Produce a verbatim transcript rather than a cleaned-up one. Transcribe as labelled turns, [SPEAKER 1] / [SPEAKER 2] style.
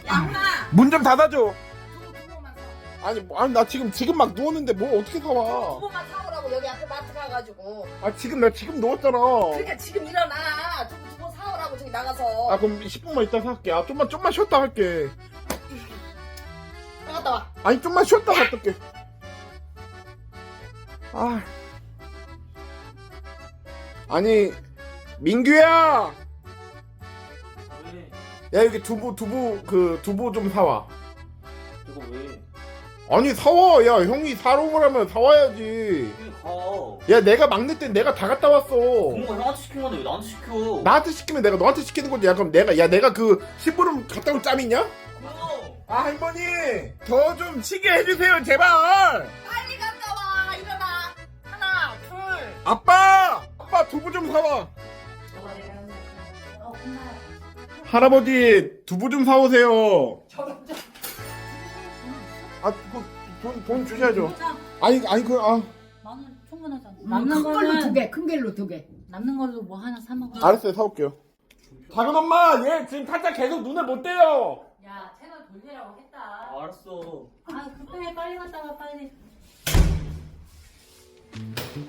[SPEAKER 1] 양아.
[SPEAKER 2] 문 좀 닫아줘.
[SPEAKER 1] 두부 두부만 사.
[SPEAKER 2] 아니 뭐, 아니 나 지금 지금 막 누웠는데 뭘 어떻게 사와?
[SPEAKER 1] 두부만 사오라고 여기 앞에 마트 가가지고.
[SPEAKER 2] 아 지금 나 지금 누웠잖아.
[SPEAKER 1] 그러니까 지금 일어나. 두부 두부 사오라고 저기 나가서.
[SPEAKER 2] 아 그럼 십 분만 이따 살게. 아 좀만 좀만 쉬었다 갈게.
[SPEAKER 1] 나갔다 와.
[SPEAKER 2] 아니 좀만 쉬었다 갔다 올게. 아. 아니 민규야.
[SPEAKER 3] 왜?
[SPEAKER 2] 야 여기 두부 두부 그 두부 좀 사와.
[SPEAKER 3] 이거 왜?
[SPEAKER 2] 아니 사와. 야 형이 사러 오라면 사와야지.
[SPEAKER 3] 왜 가?
[SPEAKER 2] 야 내가 막내 때 내가 다 갔다 왔어.
[SPEAKER 3] 부모가 형한테 시킨 건데 왜 나한테 시켜?
[SPEAKER 2] 나한테 시키면 내가 너한테 시키는 건데 야 그럼 내가 야 내가 그 심부름 갔다 올 짬 있냐?
[SPEAKER 3] 그럼.
[SPEAKER 2] 아 할머니 더 좀 치게 해주세요 제발.
[SPEAKER 1] 빨리 갔다 와. 일어나. 하나, 둘.
[SPEAKER 2] 아빠 아빠 두부 좀 사와.
[SPEAKER 1] 너가 내려오면. 어, 엄마.
[SPEAKER 2] 할아버지 두부 좀 사오세요.
[SPEAKER 1] 저런 저.
[SPEAKER 2] 아돈돈 돈 주셔야죠.
[SPEAKER 4] 자,
[SPEAKER 2] 아니 아니 그아
[SPEAKER 4] 만원 충분하잖아.
[SPEAKER 5] 큰
[SPEAKER 4] 남는
[SPEAKER 5] 걸로 두
[SPEAKER 4] 거는
[SPEAKER 5] 개, 큰 걸로 두 개.
[SPEAKER 4] 남는 걸로 뭐 하나 사 먹어.
[SPEAKER 2] 알았어요 사올게요. 작은 엄마 얘 지금 타짜 계속 눈에 못 떼요.
[SPEAKER 4] 야, 채널 돌리라고 했다.
[SPEAKER 3] 아, 알았어.
[SPEAKER 4] 아, 급해 빨리 갔다 와 빨리.